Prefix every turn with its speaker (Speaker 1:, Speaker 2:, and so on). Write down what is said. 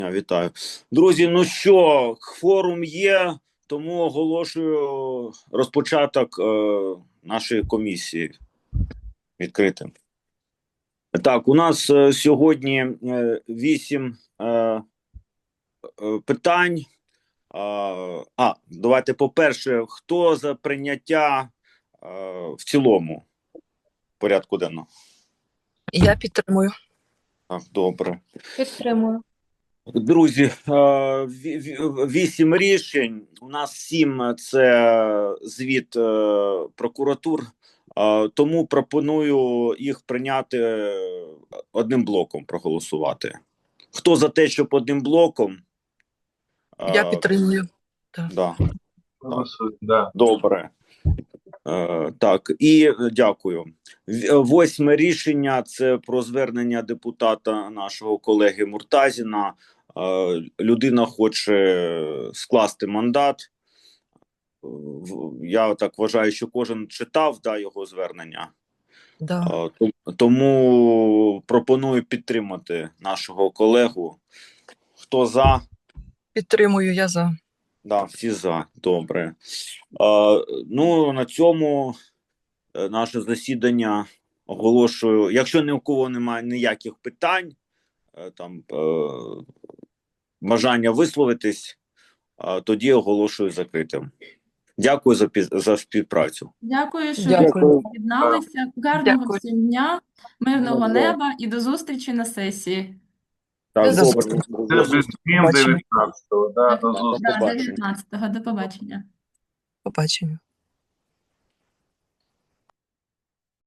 Speaker 1: Вітаю. Друзі, ну що, кворум є, тому оголошую розпочаток нашої комісії відкритим. Так, у нас сьогодні 8 питань. Давайте по-перше, хто за прийняття в цілому порядку денного?
Speaker 2: Я підтримую.
Speaker 1: Так, добре.
Speaker 3: Підтримую.
Speaker 1: Друзі, 8 рішень. У нас 7 – це звіт прокуратур. Тому пропоную їх прийняти одним блоком, проголосувати. Хто за те, щоб одним блоком?
Speaker 2: Я підтримую.
Speaker 1: Да.
Speaker 4: Да.
Speaker 1: Добре. Так, і дякую. 8 рішення – це про звернення депутата нашого колеги Муртазіна. Людина хоче скласти мандат. Я так вважаю, що кожен читав його звернення.
Speaker 2: Да.
Speaker 1: Тому пропоную підтримати нашого колегу. Хто за?
Speaker 2: Підтримую, я за.
Speaker 1: Да, всі за. Добре. Ну, на цьому наше засідання оголошую. Якщо ні у кого немає ніяких питань, бажання висловитись, тоді оголошую закритим. Дякую за співпрацю.
Speaker 3: Дякую, що
Speaker 2: Дякую.
Speaker 3: ви приєдналися. Гарного
Speaker 2: Дякую.
Speaker 3: всім дня, мирного неба і до зустрічі на сесії.
Speaker 1: Так,
Speaker 2: До
Speaker 1: добре.
Speaker 4: Це без змін 19-го. Да, до зустрічі.
Speaker 3: Да, 19-го. До побачення.
Speaker 2: Побачення.